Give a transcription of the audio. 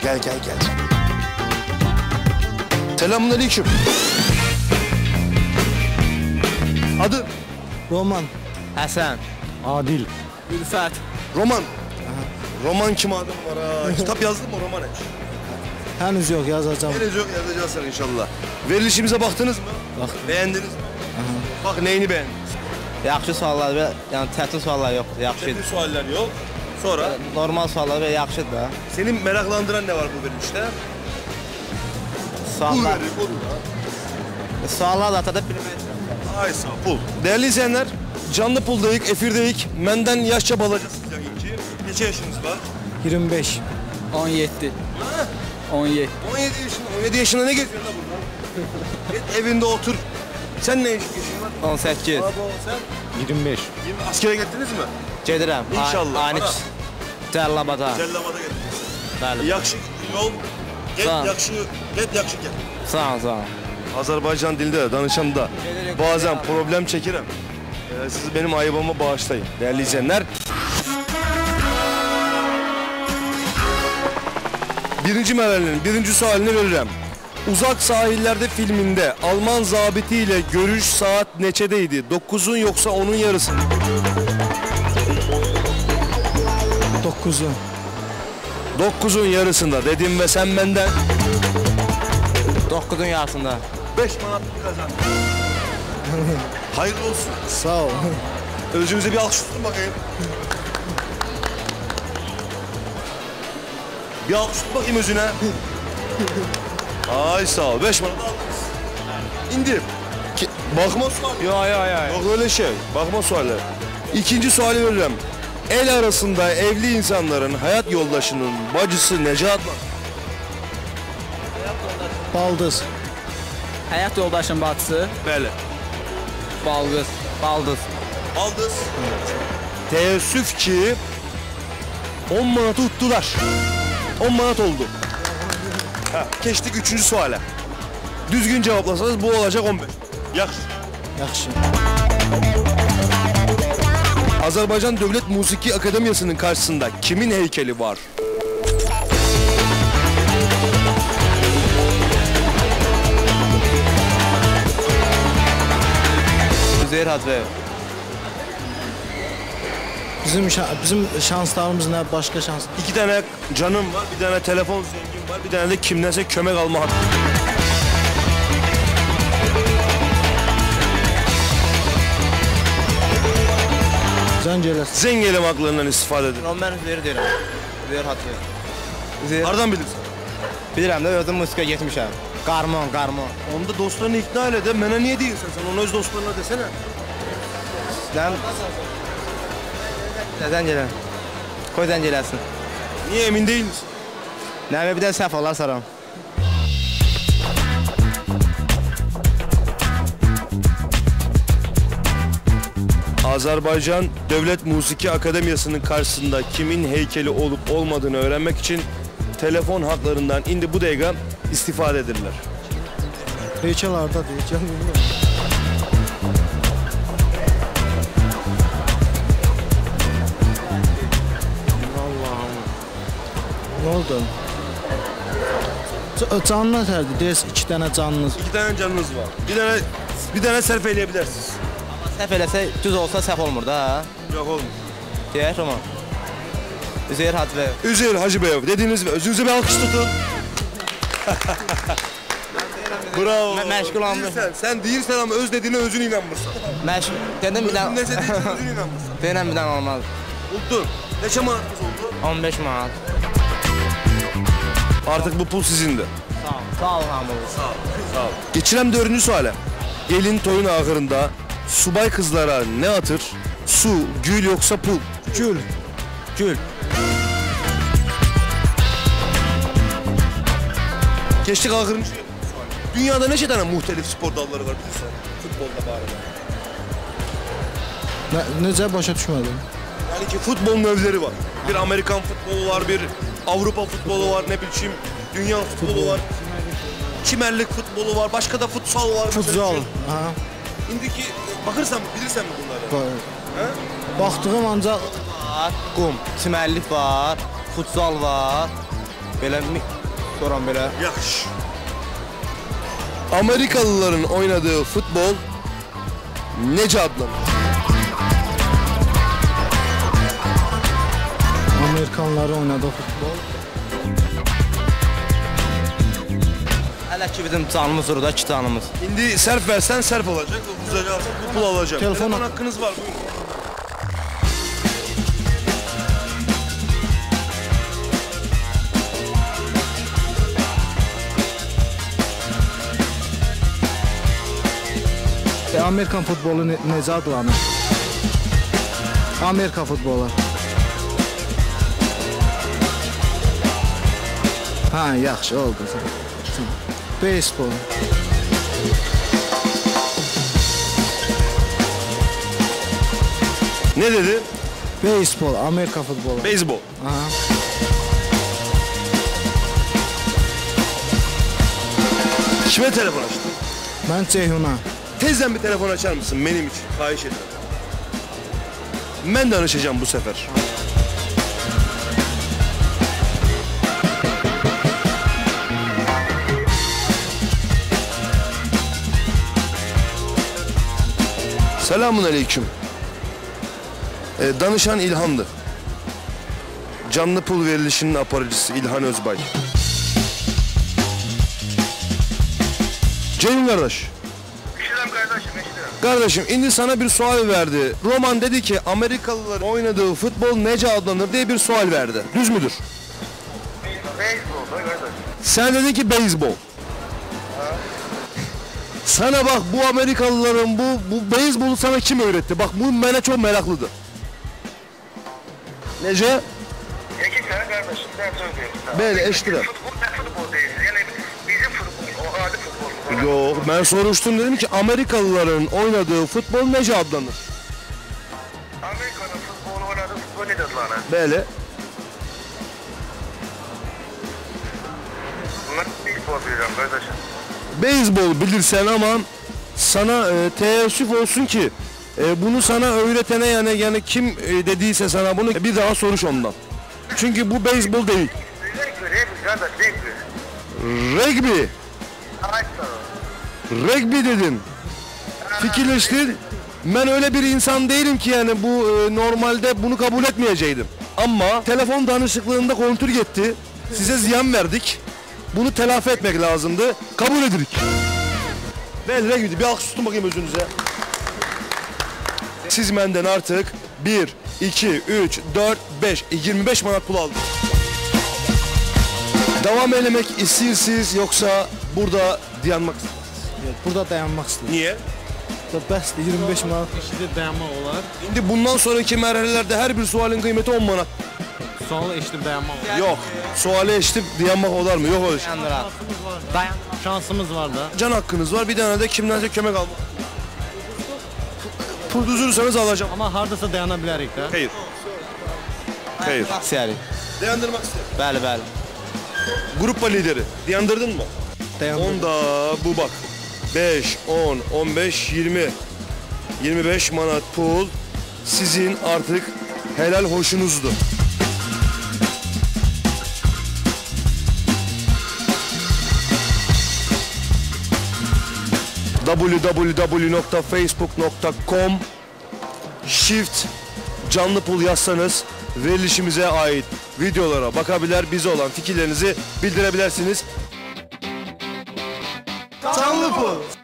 Gel. Selamünaleyküm. Adı? Roman. Həsən. Adil. Ülfət. Roman. Roman kim adım var ha? Kitap yazdın mı roman hiç? Henüz yok, yazacağım. Henüz yok, yazacağız inşallah. Verilişimize baktınız mı? Baktım. Beğendiniz mi? Bak neyini beğendiniz? Yaxşı suallar və yəni çətin suallar yoxdur, yaxşı. Çetin sualler yok. Sonra? Normal suallar və yaxşıdır da. Senin meraklandıran ne var bu verilişte? Pul Suallar. verir, pul. Suallar da atada bilmək. Ay sağ pul. Değerli izleyenler, canlı puldayık, efirdeyik. Menden yaşça balacısınız ya ilki. Neçe yaşınız var? 25. 17. 17. 17 yaşında ne geziyorsun da burada? Git evinde otur. Sen ne yaşın var? 18. Abi sen? 25. Askere gittiniz mi? Gedirəm. İnşallah. Aynı Cəlilabada. Cellamada gittiniz. Bəli. Yakşı yol. Sağ ol. Yakşı gel. Sağ ol. Azerbaycan dilinde de danışanda bazen problem çekerim. Siz benim ayıbıma bağışlayın değerli izleyenler. Birinci merhalenin birinci sualini veririm. Uzak Sahillerde filminde Alman zabiti ile görüş saat neçedeydi? 9'un yoksa 10'un yarısı? 9'u. 9'un yarısında dedim ve sen benden 9-un yarısında. 5 manat kazandın. Hayırlı olsun. Sağ ol. Özünüze bir alkış tutun bakayım. Bir alkış tut bakayım özüne. Ay sağ ol. 5 manat aldınız. İndir. Bakma suali. Yok öyle şey. Bakma suali. İkinci suali veririm. El arasında evli insanların hayat yoldaşının bacısı Necat var. Baldız. Həyat yoldaşın bacısı. Bəli. Baldız. Aldız. Teessüf ki 10 manatı tuttular. 10 manat oldu. Geçtik 3. suale. Düzgün cevaplasanız bu olacak 15. Yaxşı. Yaxşı. Azerbaycan Devlet Musiki Akademiyası'nın karşısında kimin heykeli var? Üzeyir Hacıyev. Bizim şanslarımız ne? Başka şans. 2 tane canım var, bir tane telefon zengin var, bir tane de kimdense kömek alma hakkı. Zəng Zengelim haklarından istifade edin. Mən Üzeyir deyirəm. Üzeyir Hacıyev. Üzeyir. Nereden bilirsin? Bilirəm də özüm musikaya getmişəm. Qarmon. Onda dostlarını ikna elə de, mənə niye değilsin sen? Onu öz dostlarına desene. Zəng elə. Qoy zəng eləsin. Niye emin değil misin? Nəvə bir də səhv olar saram. Azerbaycan Devlet Musiki Akademiyası'nın karşısında kimin heykeli olup olmadığını öğrenmek için telefon haklarından indi bu dakika istifade edirlər. Heykel arda heykel. Allah'ım. Ne oldu? Canlı terdi. Ders 2 tane canınız. 2 tane canınız var. Bir tane sərf eləyə Səhv eləsə düz olsa səhv olmur da ha. Yok olmuyor. Deyək Roman. Üzeyir Hacıyev. Üzeyir Hacıyev dediniz ve özünüze bir alkış tutun. Bravo. Məşğul olmuş. Sen değilsen ama öz dediğine özün inanmırsan. Dedim bir dənə. Neyse değilsen özün inanmırsan. Deyirəm bir dənə olmaz. Uddun. Neçə manatınız oldu? 15 manat. Artık bu pul sizindi. Sağ ol hamı. Sağ ol. Geçirem 4. suale. Gelin toyun ahırında subay kızlara ne atır? Su, gül yoksa pul? Gül. Geçtik ahırıncı. Dünyada neçə tane muhtelif spor dalları var bilirsən? Futbolda bari. Necə başa düşmədim? Yani ki futbol növləri var. Bir Amerikan futbolu var, bir Avrupa futbolu var, ne bileyim dünya futbolu var. Çimerlik futbolu var, başka da futsal var. Futsal. İndiki bakırsan bilirsən mi bunları? Baxdığım ancaq Qum, çimərlik var, futsal var. Belə soran belə. Yaxşı. Amerikalıların oynadığı futbol necə adlanır? Amerikanları oynadığı futbol. Hələ ki bizim canımız orada, 2 canımız. İndi sərf versən sərf olacaq, uzacaqsan pul alacaq. Telefon haqqınız var, buyurun. Amerikan futbolu necə adlanır? Amerika futbolu. Ha, yaxşı oldu. Beyzbol. Ne dedi? Beyzbol, Amerika futbolu. Beyzbol. Aha. Kime telefon açtın? Mən Ceyhuna. Tezden bir telefon açar mısın benim için? Xahiş ederim. Ben danışacağım bu sefer. Selamun aleyküm. Danışan İlhan'dı. Canlı pul verilişinin aparıcısı İlhan Özbay. Ceyhun kardeş. İşlem kardeşim, işlem. Kardeşim indi sana bir sual verdi. Roman dedi ki Amerikalıların oynadığı futbol nece adlanır diye bir sual verdi. Düz müdür? Beyzbol da kardeş. Sen dedin ki beyzbol. Sana bak bu Amerikalıların bu beyzbolu sana kim öğretti? Bak bu bana çok meraklıdır. Nece? Peki sen kardeşim, ben söyleyeyim sana. Böyle eşitler. Futbol değil, yani bizim futbol, o adi futbol. Yok ben soruştum dedim ki Amerikalıların oynadığı futbol nece adlanır? Amerika'nın futbolu oynadığı futbol nedir lan? Böyle. Ben beyzbol biliyorum kardeşim. Beyzbol bilirsen ama sana teessüf olsun ki bunu sana öğretene yani kim dediyse sana bunu bir daha soruş ondan. Çünkü bu beyzbol değil. Regbi kardeş, regbi. Rugby. Ay Rugby dedin. Fikirleştin. Ben öyle bir insan değilim ki yani bu normalde bunu kabul etmeyecektim. Ama telefon danışıklığında kontrol etti. Size ziyan verdik. Bunu telafi etmek lazımdı. Kabul edirik. Ben rugby bir alkış tutun bakayım özünüze. Siz benden artık 1, 2, 3, 4, 5, 25 manat pul aldınız. Devam eləmək istiyorsunuz yoksa burada dayanmak istiyorsunuz? Burada dayanmaq istəyirəm. Niye? Bəsdir, 25 manat. Eşidib dayanmaq olar. Şimdi bundan sonraki merhalelerde her bir sualin kıymeti 10 manat. Sualı eşidib dayanmaq olar. Yok. Suali eşitip dayanmak olar mı? Yok öyle şey. Yandırar. Şansımız var da. Can hakkınız var. Bir tane de kimdense kömek almak. Pul düzürürseniz alacağım. Amma hardasa dayana bilərik də. Hayır. Hayır. Aksiyari. Dayandırmak istedim. Bəli, bəli. Grup lideri. Dayandırdın mı? Dayandırdım. Onda bu bak. 5, 10, 15, 20. 25 manat pul sizin artık helal hoşunuzdu. www.facebook.com Shift canlı pul yazsanız verilişimize ait videolara bakabilir, bize olan fikirlerinizi bildirebilirsiniz. Canlı pul.